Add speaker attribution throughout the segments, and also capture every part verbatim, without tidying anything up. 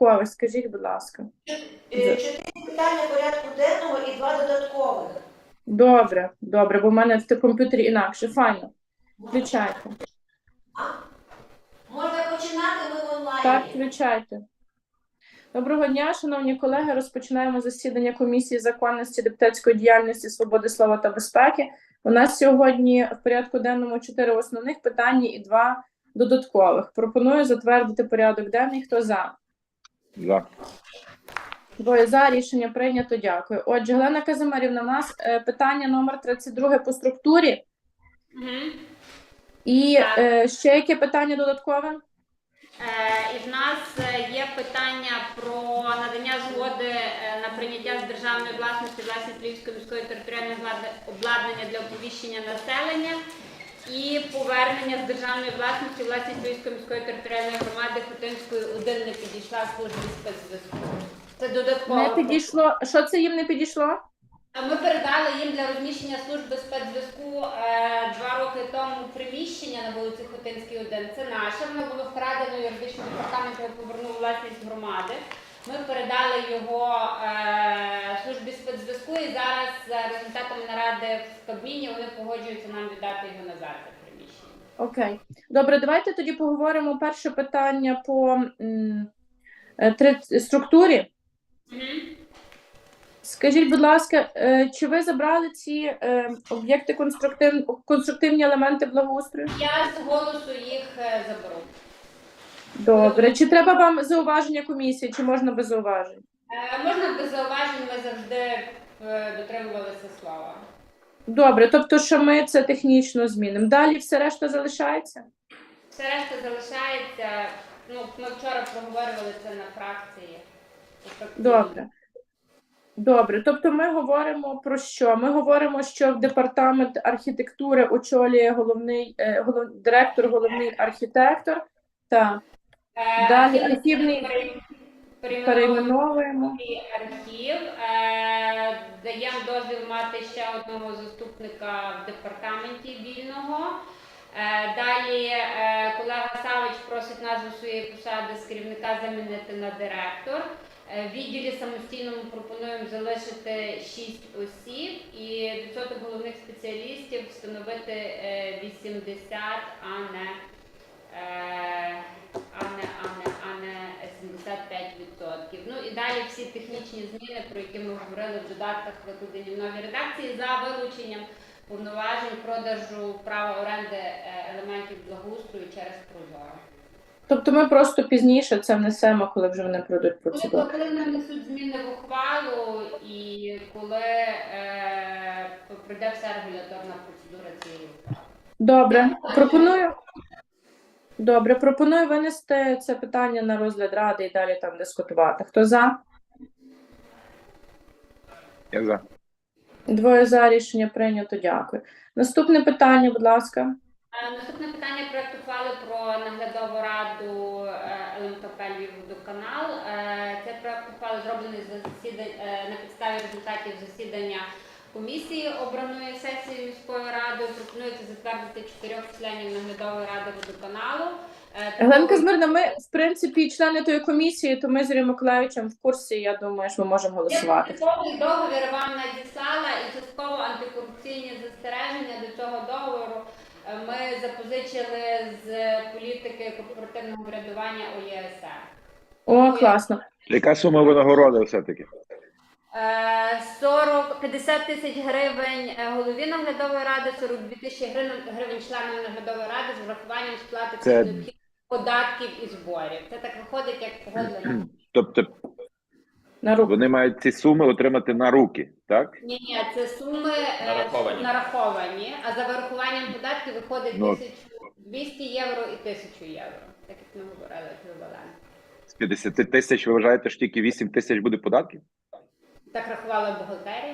Speaker 1: додаткових. Скажіть, будь ласка.
Speaker 2: Чотири питання порядку денного і два додаткових.
Speaker 1: Добре, добре, бо в мене в комп'ютері інакше. Файно. Включайте.
Speaker 2: А? Можна починати, ми в онлайні.
Speaker 1: Так, включайте. Доброго дня, шановні колеги. Розпочинаємо засідання Комісії законності, депутатської діяльності, свободи слова та безпеки. У нас сьогодні в порядку денному чотири основних питання і два додаткових. Пропоную затвердити порядок денний. Хто за?
Speaker 3: За.
Speaker 1: Двоє за. Рішення прийнято. Дякую. Отже, Галина Казимирівна, у нас е, питання номер тридцять два по структурі.
Speaker 4: Угу.
Speaker 1: І е, ще яке питання додаткове?
Speaker 4: Е, і в нас є питання про надання згоди на прийняття з державної власності власність Львівської міської територіальної обладнання для оповіщення населення і повернення з державної власності власність Львівської міської територіальної громади Хотинської один не підійшла службі спецзв'язку. Це додатково.
Speaker 1: Не підійшло. Що це їм не підійшло?
Speaker 4: Ми передали їм для розміщення служби спецзв'язку е, два роки тому приміщення на вулиці Хотинській, один. Це наше, воно було вкрадено юридичним департаментом, повернув власність громади. Ми передали його е, службі спецзв'язку і зараз за результатами наради в Кабміні вони погоджуються нам віддати його назад, це приміщення.
Speaker 1: Окей. Добре, давайте тоді поговоримо перше питання по м, три, структурі.
Speaker 4: Угу.
Speaker 1: Скажіть, будь ласка, чи ви забрали ці е, об'єкти конструктив... конструктивні елементи благоустрою?
Speaker 4: Я з голосу їх е, заберу.
Speaker 1: Добре. Чи треба вам зауваження комісії, чи можна без зауважень?
Speaker 4: Е, можна без зауважень, ми завжди е, дотримувалися слова.
Speaker 1: Добре, тобто, що ми це технічно змінимо. Далі все решта залишається?
Speaker 4: Все решта залишається, ну, ми вчора проговорювали це на фракції.
Speaker 1: Добре. Добре, тобто ми говоримо про що? Ми говоримо, що в департамент архітектури очолює головний е, голов... директор, головний архітектор. Так.
Speaker 4: Е,
Speaker 1: Далі
Speaker 4: архів
Speaker 1: архівний перейменовуємо.
Speaker 4: Архів. Е, даємо дозвіл мати ще одного заступника в департаменті вільного. Е, далі е, колега Савич просить назву своєї посади з керівника замінити на директор. В відділі самостійному пропонуємо залишити шість осіб і відсоток головних спеціалістів встановити вісімдесят, а не, а не, а не, а не сімдесят п'ять відсотків. Ну і далі всі технічні зміни, про які ми говорили в додатках, викладені в новій редакції, за вилученням повноважень продажу права оренди елементів благоустрою через Прозоро.
Speaker 1: Тобто ми просто пізніше це внесемо, коли вже вони пройдуть процедуру.
Speaker 4: Коли нанесуть зміни в ухвалу і коли е, пройде вся регуляторна процедура цієї ухвали.
Speaker 1: Добре. Пропоную, Добре, пропоную винести це питання на розгляд ради і далі там дискутувати. Хто за?
Speaker 3: Я за.
Speaker 1: Двоє за. Рішення прийнято. Дякую. Наступне питання, будь ласка.
Speaker 4: Наступне питання – проект ухвали про наглядову раду ел ем ка пе «Львівводоканал». Цей проект ухвали зроблений на підставі результатів засідання комісії, обраної сесією міської ради. Пропонується затвердити чотирьох членів наглядової ради водоканалу.
Speaker 1: Галина Казимирівна, ми, в принципі, члени тої комісії, то ми з Юрієм Миколайовичем в курсі, я думаю, що ми можемо голосувати.
Speaker 4: Частковий договір вам надіслала і частково антикорупційні застереження до цього договору ми запозичили з політики корпоративного врядування О Є Ес Ер.
Speaker 1: О, класно.
Speaker 3: Яка сума винагороди все-таки?
Speaker 4: сорок п'ятдесят тисяч гривень голові наглядової ради, сорок дві тисячі гривень членам наглядової ради з врахуванням сплати
Speaker 3: Це...
Speaker 4: необхідних податків і зборів. Це так виходить, як погодлено.
Speaker 3: Тобто
Speaker 1: на руки.
Speaker 3: Вони мають ці суми отримати на руки, так?
Speaker 4: Ні, ні, це суми нараховані, нараховані а за вирахуванням податків виходить
Speaker 3: ну,
Speaker 4: тисячу двісті євро і тисячу євро, так як ми говорили, еквівалент.
Speaker 3: З п'ятдесят тисяч ви вважаєте, що тільки вісім тисяч буде податків? Так
Speaker 4: рахувала бухгалтерія.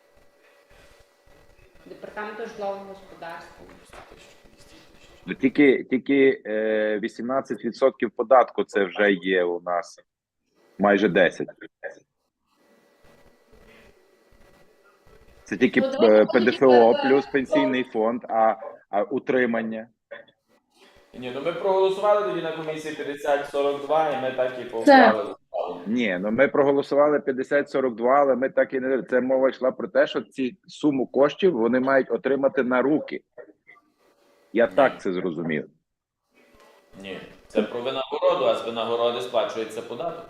Speaker 4: Департаменту житлового господарства.
Speaker 3: Тільки, тільки е, вісімнадцять відсотків податку це вже є у нас. Майже десять. Це тільки е, Пе Де Фе О плюс пенсійний фонд, а, а утримання.
Speaker 5: Ні, ну ми проголосували тоді на комісії п'ятдесят сорок два і ми так і поухвалили.
Speaker 3: Ні, ну ми проголосували п'ятдесят сорок два, але ми так і не... Це мова йшла про те, що ці суму коштів вони мають отримати на руки. Я так це зрозумів.
Speaker 5: Ні, це про винагороду, а з винагороди сплачується податок.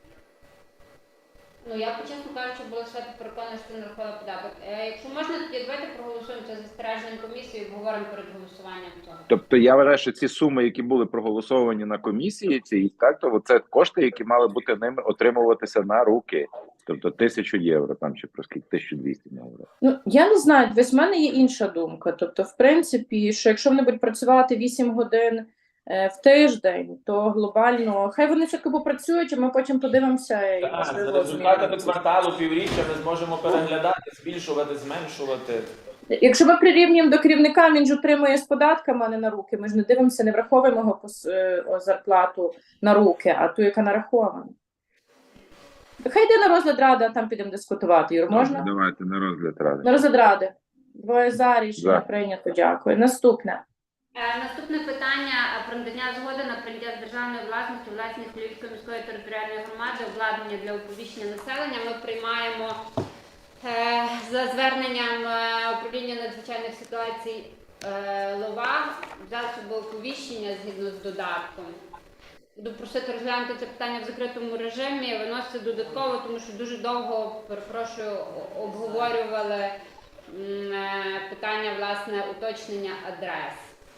Speaker 4: Ну, я, чесно кажучи, була свято переконана, що не рахувала податок. Е, якщо можна, тоді давайте проголосуємо це за застереженням комісії і обговоримо перед голосуванням цього.
Speaker 3: Тобто я вважаю, що ці суми, які були проголосовані на комісії, ці так, то це кошти, які мали бути ними отримуватися на руки. Тобто тисячу євро там чи про скільки тисячу двісті євро.
Speaker 1: Ну, я не знаю, десь в мене є інша думка. Тобто, в принципі, що якщо вони будуть працювати вісім годин е, в тиждень, то глобально, хай вони все-таки попрацюють, а ми потім подивимося і,
Speaker 5: Так,
Speaker 1: можливо,
Speaker 5: за результатами
Speaker 1: змінимо.
Speaker 5: кварталу, півріччя ми зможемо переглядати, збільшувати, зменшувати.
Speaker 1: Якщо ми прирівнюємо до керівника, він ж отримує з податками, а не на руки. Ми ж не дивимося, не враховуємо його пос- е, о, зарплату на руки, а ту, яка нарахована. Хай йде на розгляд ради, а там підемо дискутувати. Юр, можна?
Speaker 3: Давайте на розгляд ради.
Speaker 1: На розгляд ради. Двоє за, рішення
Speaker 3: За.
Speaker 1: прийнято, дякую. Наступне.
Speaker 4: Е, Наступне питання е, про надання згоди на прийняття з державної власності власність Львівської міської територіальної громади обладнання для оповіщення населення. Ми приймаємо е, за зверненням е, управління надзвичайних ситуацій е, ЛОВА засоби оповіщення згідно з додатком. Буду просити розглянути це питання в закритому режимі, виносити додатково, тому що дуже довго, перепрошую, о- обговорювали м, е, питання, власне, уточнення адрес.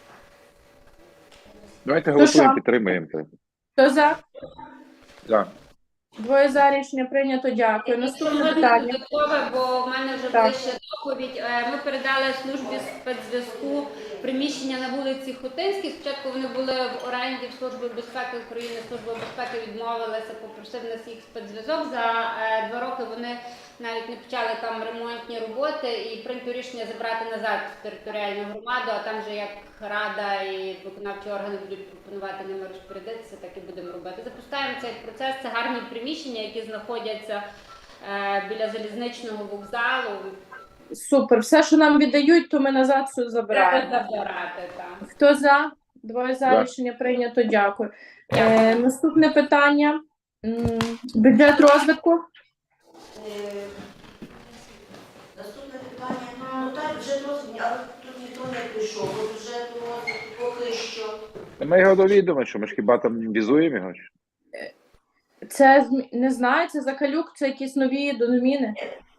Speaker 3: Давайте
Speaker 1: що?
Speaker 3: голосуємо, підтримуємо це.
Speaker 1: Хто за?
Speaker 3: За.
Speaker 1: Двоє за, рішення прийнято, дякую. Наступне
Speaker 4: Можна
Speaker 1: питання.
Speaker 4: додаткове, бо в мене вже
Speaker 1: Так.
Speaker 4: ближче доповідь. Е, Ми передали службі спецзв'язку приміщення на вулиці Хотинській. Спочатку вони були в оренді в Служби безпеки України. Служба безпеки відмовилася, попросив нас їх спецзв'язок. За е, два роки вони навіть не почали там ремонтні роботи і прийнято рішення забрати назад в територіальну громаду, а там же як рада і виконавчі органи будуть пропонувати ними розпорядитися, так і будемо робити. Запускаємо цей процес. Це гарні приміщення, які знаходяться е, біля залізничного вокзалу.
Speaker 1: Супер. Все, що нам віддають, то ми назад все
Speaker 4: Треба
Speaker 1: забираємо.
Speaker 4: забирати там.
Speaker 1: Хто за? Двоє за,
Speaker 3: За.
Speaker 1: рішення прийнято, дякую. Е, наступне питання. М, Бюджет розвитку.
Speaker 2: Е, Наступне питання. Ну так, бюджет розвитку, але тут ніхто не прийшов. Бо бюджету розвитку поки що.
Speaker 3: Ми його довідомо, що ми ж хіба там візуємо його?
Speaker 1: Це зм- не знаю, це Закалюк, це якісь нові доміни.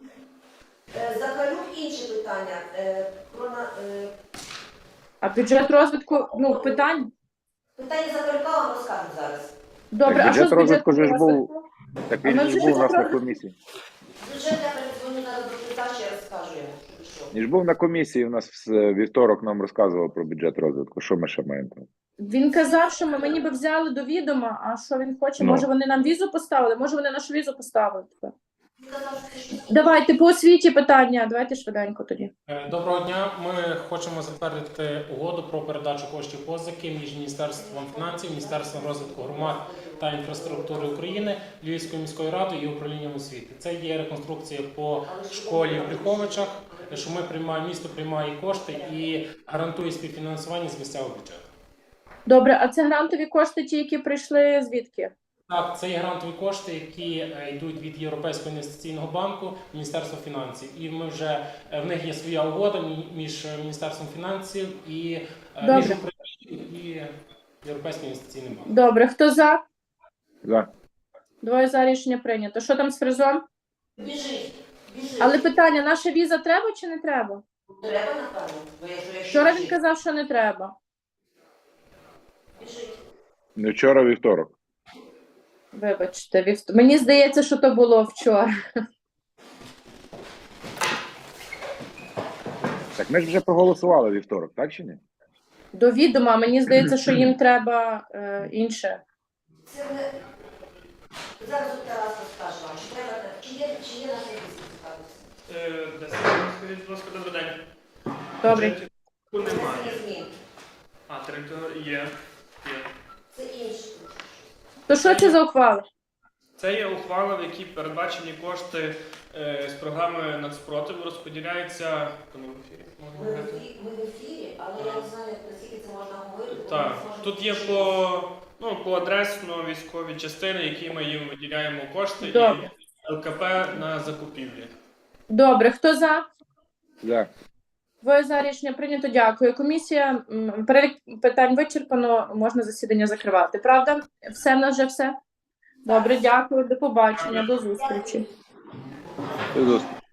Speaker 2: Е, Захарюк інше питання. Е, Про на- е,
Speaker 1: А бюджет розвитку, ну, питань.
Speaker 2: питання Захарюка вам розкажу зараз.
Speaker 1: Добре,
Speaker 3: Так,
Speaker 1: а що
Speaker 3: бюджет
Speaker 1: з бюджету
Speaker 3: розвитку ж був-
Speaker 1: розвитку?
Speaker 3: Так
Speaker 1: А
Speaker 3: він
Speaker 1: ми
Speaker 3: ж
Speaker 1: вже
Speaker 3: був у нас на
Speaker 1: підтримали.
Speaker 3: комісії.
Speaker 2: Бюджет я передзвоню зараз до Плита, ще розкажу йому, що пішов.
Speaker 3: Він ж був на комісії, у нас в вівторок нам розказував про бюджет розвитку. Що ми ще маємо там?
Speaker 1: Він казав, що ми, ми ніби взяли до відома, а що він хоче?
Speaker 3: Ну.
Speaker 1: Може вони нам візу поставили? Може вони нашу візу поставили тепер?
Speaker 2: Він казав, що це щось.
Speaker 1: Давайте по освіті питання, давайте швиденько тоді.
Speaker 6: Е, Доброго дня. Ми хочемо затвердити угоду про передачу коштів позики між Міністерством фінансів, Міністерством розвитку громад та інфраструктури України, Львівською міською радою і управлінням освіти. Це є реконструкція по школі в Брюховичах, що ми приймаємо, місто приймає кошти і гарантує співфінансування з місцевого бюджету.
Speaker 1: Добре, а це грантові кошти, ті, які прийшли звідки?
Speaker 6: Так, це є грантові кошти, які е, йдуть від Європейського інвестиційного банку, Міністерства фінансів. І ми вже е, в них є своя угода мі- між е, Міністерством фінансів і е, між
Speaker 1: Добре.
Speaker 6: Україною і Європейським інвестиційним банком.
Speaker 1: Добре, хто за?
Speaker 3: За.
Speaker 1: Двоє за, рішення прийнято. Що там з фризом?
Speaker 2: Біжить, біжить.
Speaker 1: Але питання, наша віза треба чи не треба?
Speaker 2: Треба, напевно, бо якщо якщо
Speaker 1: Вчора він
Speaker 2: біжить.
Speaker 1: казав, що не треба.
Speaker 2: Біжить.
Speaker 3: Не вчора, а вівторок.
Speaker 1: Вибачте, вівт... мені здається, що то було вчора.
Speaker 3: Так ми ж вже проголосували вівторок, так чи ні?
Speaker 1: До відома, мені здається, що їм треба е, інше.
Speaker 2: Це не... Зараз от Тарас розкаже вам, чи треба, чи є, чи є на фізиці цікавість.
Speaker 7: Е, десять хвилин, скажіть, будь ласка, добрий день.
Speaker 1: Добре.
Speaker 7: Бюджеті немає.
Speaker 2: Це змін.
Speaker 7: А, територія є. Є.
Speaker 2: Це інше.
Speaker 1: То що це за ухвала?
Speaker 7: Це є ухвала, в якій передбачені кошти е, з програми нацпротиву, розподіляються. Хто не в ефірі? Можна
Speaker 2: Ми в
Speaker 7: говорити?
Speaker 2: ефі- ми в ефірі, але я не знаю, наскільки це можна говорити. бо
Speaker 7: Так,
Speaker 2: ми зможемо
Speaker 7: тут є
Speaker 2: ще-
Speaker 7: по, ну, по адресно військові частини, які ми їм виділяємо кошти,
Speaker 1: Добре.
Speaker 7: і ЛКП на закупівлі.
Speaker 1: Добре, хто за?
Speaker 3: Да.
Speaker 1: Двоє за рішення прийнято. Дякую. Комісія, м, перелік питань вичерпано, можна засідання закривати. Правда? Все в нас вже все? Добре, дякую. До побачення, до зустрічі.
Speaker 3: До зустрічі.